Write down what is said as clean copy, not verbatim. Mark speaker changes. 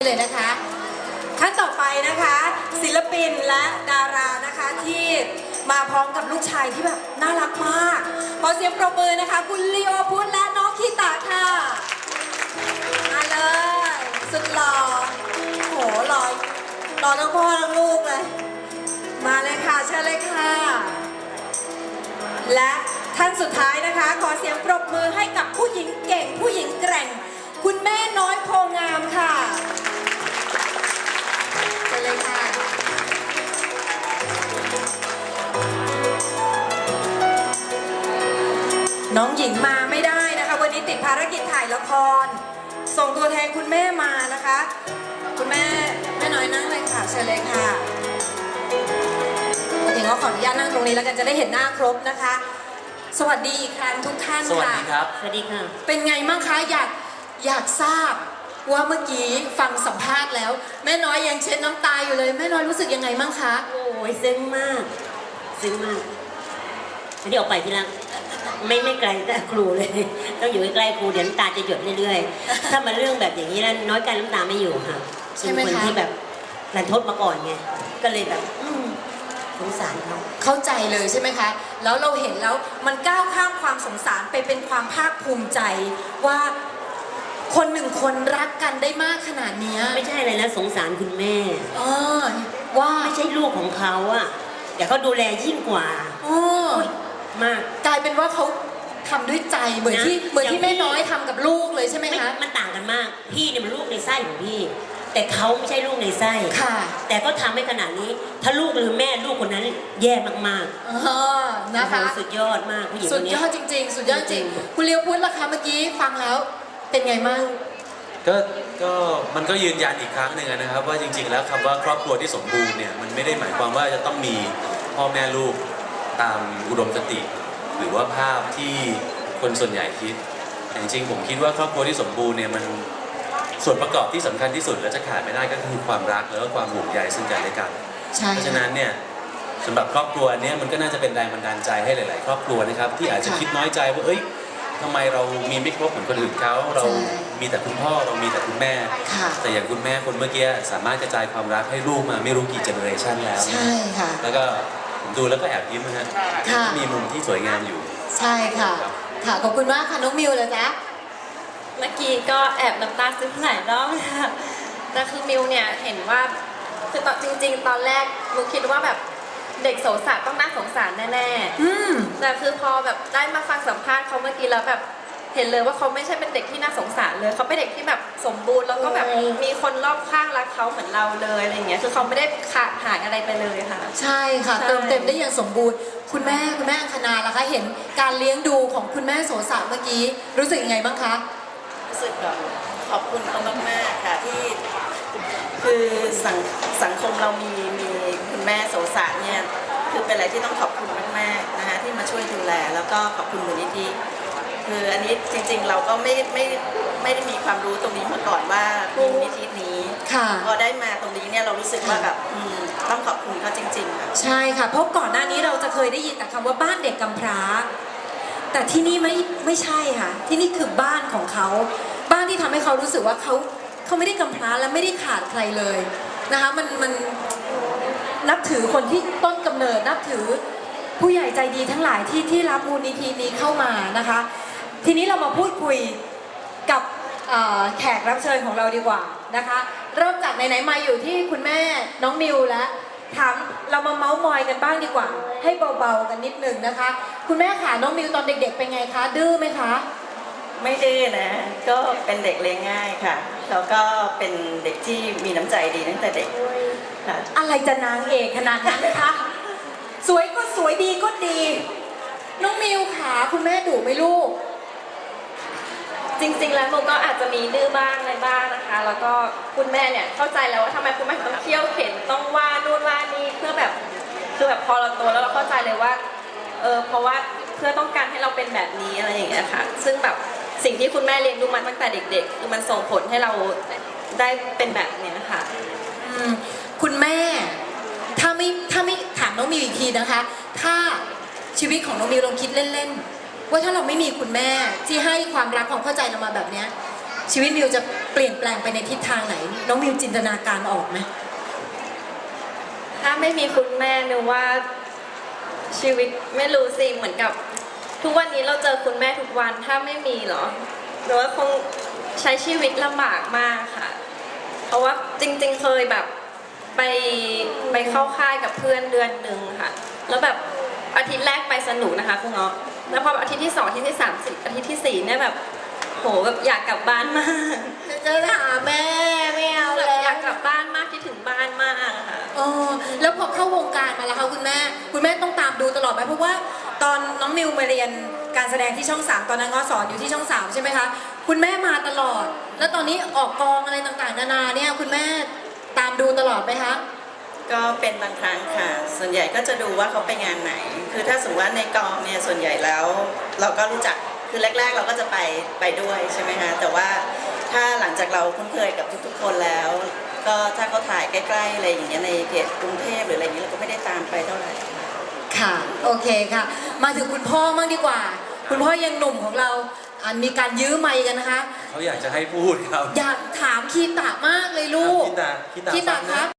Speaker 1: เลยนะคะขั้นต่อไปนะคะศิลปินและดารานะคะที่มาพร้อมกับลูกชายที่แบบน่ารักมากขอเสียงปรบมือนะคะคุณลีโอพุทธและน้องคีตาค่ะมาเลยสุดหล่อโหหล่อทั้งพ่อทั้งลูกเลยมาเลยค่ะเชิญเลยค่ะและท่านสุดท้ายนะคะขอเสียงปรบมือให้กับผู้หญิงเก่งผู้หญิงแกร่งคุณแม่น้อยโพงามค่ะเชิญเลยค่ะน้องหญิงมาไม่ได้นะคะวันนี้ติดภารกิจถ่ายละครส่งตัวแทนคุณแม่มานะคะคุณแม่น้อยนั่งเลยค่ะเชิญเลยค่ะถึงก็ขออนุญาตนั่งตรงนี้แล้วกันจะได้เห็นหน้าครบนะคะสวัสดีอีกครั้งทุกท่านค่ะ
Speaker 2: สวัสดีครับ
Speaker 3: สวัสดีค่ะ
Speaker 1: เป็นไงบ้างคะอยากทราบว่าเมื่อกี้ฟังสัมภาษณ์แล้วแม่น้อยยังเช็ดน้ำตาอยู่เลยแม่น้อยรู้สึกยังไงบ้างคะ
Speaker 3: โอ้ยซึ้งมากซึ้งมากอันนี้ออกไปทีละไม่ไกลแต่ครูเลยต้องอยู่ใกล้ๆครูเดี๋ยวน้ำตาจะหยดเรื่อยๆถ้ามาเรื่องแบบอย่างนี้แล้วน้อยกันน้ำตาไม่อยู่ค่ะ
Speaker 1: ใช่ไหมคะ
Speaker 3: เป็นคนที่แบบรันทดมาก่อนไงก็เลยแบบสงสารเขา
Speaker 1: เข้าใจเลยใช่ไหมคะแล้วเราเห็นแล้วมันก้าวข้ามความสงสารไปเป็นความภาคภูมิใจว่าคนหนึ่งคนรักกันได้มากขนาดนี้
Speaker 3: ไม่ใช่อะไรนะสงสารคุณแม่
Speaker 1: ว่า
Speaker 3: ไม่ใช่ลูกของเขาอะเดี๋ยวเขาดูแลยิ่งกว่า
Speaker 1: มากกลายเป็นว่าเขาทำด้วยใจเหมือนที่แม่น้อยทำกับลูกเลยใช่ไหมคะ
Speaker 3: มันต่างกันมากพี่เนี่ยมันลูกในไส้ของพี่แต่เขาไม่ใช่ลูกในไส้
Speaker 1: ค่ะ
Speaker 3: แต่ก็ทำให้ขนาดนี้ถ้าลูกหรือแม่ลูกคนนั้นแย่มาก
Speaker 1: ๆนะคะ
Speaker 3: สุดยอดมากผู้หญิงคนนี้
Speaker 1: สุดยอดจริงๆสุดยอดจริงคุณเลียวพุทธล่ะคะเมื่อกี้ฟังแล้วเป็นไงมั่ง
Speaker 2: ก็มันก็ยืนยันอีกครั้งหนึ่งนะครับว่าจริงๆแล้วคำว่าครอบครัวที่สมบูรณ์เนี่ยมันไม่ได้หมายความว่าจะต้องมีพ่อแม่ลูกตามอุดมคติหรือว่าภาพที่คนส่วนใหญ่คิดแต่จริงๆผมคิดว่าครอบครัวที่สมบูรณ์เนี่ยมันส่วนประกอบที่สำคัญที่สุดและจะขาดไม่ได้ก็คือความรักแล้วก็ความห่วงใยซึ่งกันและกันเพราะฉะนั้นเนี่ยสำหรับครอบครัวนี้มันก็น่าจะเป็นแรงบันดาลใจให้หลายๆครอบครัวนะครับที่อาจจะคิดน้อยใจว่าทำไมเรามีไม่ครบเหมือนคนอื่นเขาเรามีแต่คุณพ่อเรามีแต่คุณแม่แต่อย่างคุณแม่คนเมื่อกี้สามารถกระจายความรักให้ลูกมาไม่รู้กี่เจเนอเรชันแล้ว
Speaker 1: ใช่ค่ะ
Speaker 2: แล้วก็ผมดูแล้วก็แอบยิ้มนะฮะมีมุมที่สวยงามอยู่
Speaker 1: ใช่ค่ะขอบคุณมากค่ะน้องมิวเลยจ๊ะ
Speaker 4: เมื่อกี้ก็แอบน้ำตาซึมหลายรอบค่ะแต่คือมิวเนี่ยเห็นว่าคือตอนจริงๆตอนแรกมิวคิดว่าแบบเด็กโสสารต้องน่าสงสารแน่ๆแต่คือพอแบบได้มาฟังสัมภาษณ์เขาเมื่อกี้แล้วแบบเห็นเลยว่าเขาไม่ใช่เป็นเด็กที่น่าสงสารเลยเขาเป็นเด็กที่แบบสมบูรณ์แล้วก็แบบมีคนรอบข้างรักเขาเหมือนเราเลยอะไรอย่างเงี้ยคือเขาไม่ได้ขาดหายอะไรไปเลยค่ะ
Speaker 1: ใช่ค่ะเติมเต็มได้อย่างสมบูรณ์คุณแม่อังคณาล่ะคะเห็นการเลี้ยงดูของคุณแม่โสสารเมื่อกี้รู้สึกยังไงบ้างคะ
Speaker 5: รู้สึกขอบคุณเขามากๆค่ะที่คือสังคมเรามีคุณแม่โสสารเนี่ยคือเป็นอะไรที่ต้องขอบคุณมากๆนะคะที่มาช่วยดูแลแล้วก็ขอบคุณมูลนิธิคืออันนี้จริงๆเราก็ไม่ได้มีความรู้ตรงนี้มาก่อนว่ามูลนิธินี้พอได้มาตรงนี้เนี่ยเรารู้สึกว่าแบบต้องขอบคุณเขาจริงๆค่ะ
Speaker 1: ใช่ค่ะเพราะก่อนหน้านี้เราจะเคยได้ยินแต่คำว่าบ้านเด็กกำพร้าแต่ที่นี่ไม่ใช่ค่ะที่นี่คือบ้านของเขาบ้านที่ทำให้เขารู้สึกว่าเขาไม่ได้กำพร้าและไม่ได้ขาดใครเลยนะคะมันนับถือคนที่ต้นกำเนิดนับถือผู้ใหญ่ใจดีทั้งหลายที่รับมูลนิธินี้เข้ามานะคะทีนี้เรามาพูดคุยกับแขกรับเชิญของเราดีกว่านะคะเริ่มจากไหนๆมาอยู่ที่คุณแม่น้องมิวแล้วถามเรามาเมาส์มอยกันบ้างดีกว่าให้เบาๆกันนิดหนึ่งนะคะคุณแม่ค่ะน้องมิวตอนเด็กๆเป็นไงคะดื้อไหมคะ
Speaker 5: ไม่ดื้อนะก็เป็นเด็กเลี้ยงง่ายค่ะแล้วก็เป็นเด็กที่มีน้ำใจดีตั้งแต่เด็กค่ะ
Speaker 1: อะไรจะนางเอกขนาดนั้นคะสวยก็สวยดีก็ดีน้องมิวค่ะคุณแม่ดุไหมลูก
Speaker 4: จริงๆแล้วมิวก็อาจจะมีดื้อบ้างอะไรบ้างนะคะแล้วก็คุณแม่เนี่ยเข้าใจแล้วว่าทำไมคุณแม่ต้องเที่ยวเข็นต้องว่านู่นว่านี่เพื่อแบบคือแบบพอเราโตแล้วเราเข้าใจเลยว่าเพราะว่าเพื่อต้องการให้เราเป็นแบบนี้อะไรอย่างเงี้ยค่ะซึ่งแบบสิ่งที่คุณแม่เลี้ยงดูมาตั้งแต่เด็กๆคือมันส่งผลให้เราได้เป็นแบบนี้ค่ะ
Speaker 1: คุณแม่ถ้าไม่ถามน้องมิวอีกทีนะคะถ้าชีวิตของน้องมิวลองคิดเล่นๆว่าถ้าเราไม่มีคุณแม่ที่ให้ความรักความเข้าใจเรามาแบบนี้ชีวิตมิวจะเปลี่ยนแปลงไปในทิศทางไหน น้องมิวจินตนาการออกไหม
Speaker 4: ถ้าไม่มีคุณแม่นึกว่าชีวิตไม่รู้สิเหมือนกับ ทุกวันนี้เราเจอคุณแม่ทุกวันถ้าไม่มีเหรอหรือว่าคงใช้ชีวิตลำบากมากค่ะ เพราะว่าจริงๆเคยแบบไปเข้าค่ายกับเพื่อนเดือนหนึ่งค่ะ แล้วแบบอาทิตย์แรกไปสนุกนะคะคุณเนาะแล้วพออาทิตย์ที่ 2อาทิตย์ที่ 3อาทิตย์ที่ 4เนี่ยแบบโหแบบอยากกลับบ้านมาก
Speaker 1: จะหาแม่ไม่เอา
Speaker 4: แบบ
Speaker 1: แล้ว
Speaker 4: อยากกลับบ้านมากคิดถึงบ้านมากอะค่ะ
Speaker 1: อ๋อแล้วพอเข้าวงการมาแล้วคะคุณแม่ต้องตามดูตลอดไหมเพราะว่าตอนน้องมิวมาเรียนการแสดงที่ช่อง 3ตอนนั้นง้อสอนอยู่ที่ช่อง 3ใช่ไหมคะคุณแม่มาตลอด แล้วตอนนี้ออกกองอะไรต่างๆนานาเนี่ยคุณแม่ตามดูตลอดไหมคะ
Speaker 5: ก็เป็นบางครั้งค่ะ ส่วนใหญ่ก็จะดูว่าเขาไปงานไหน คือถ้าสมมติว่าในกองเนี่ยส่วนใหญ่แล้วเราก็รู้จัก คือแรกๆเราก็จะไปด้วยใช่ไหมคะแต่ว่าถ้าหลังจากเราคุ้นเคยกับทุกๆคนแล้ว ก็ถ้าเขาถ่ายใกล้ๆอะไรอย่างเงี้ยในเขตกรุงเทพหรืออะไรอย่างเงี้ยเราก็ไม่ได้ตามไปเท่าไหร่
Speaker 1: ค่ะโอเคค่ะ มาถึงคุณพ่อมั่งดีกว่า คุณพ่อยังหนุ่มของเรามีการยื้อไมค์กันนะคะ
Speaker 2: เขาอยากจะให้พูดครับ
Speaker 1: อยากถามคีตะมากเลยลูก
Speaker 2: คีตะ
Speaker 1: คีตะ
Speaker 2: ฟัง
Speaker 1: ค
Speaker 2: นะ
Speaker 1: รับ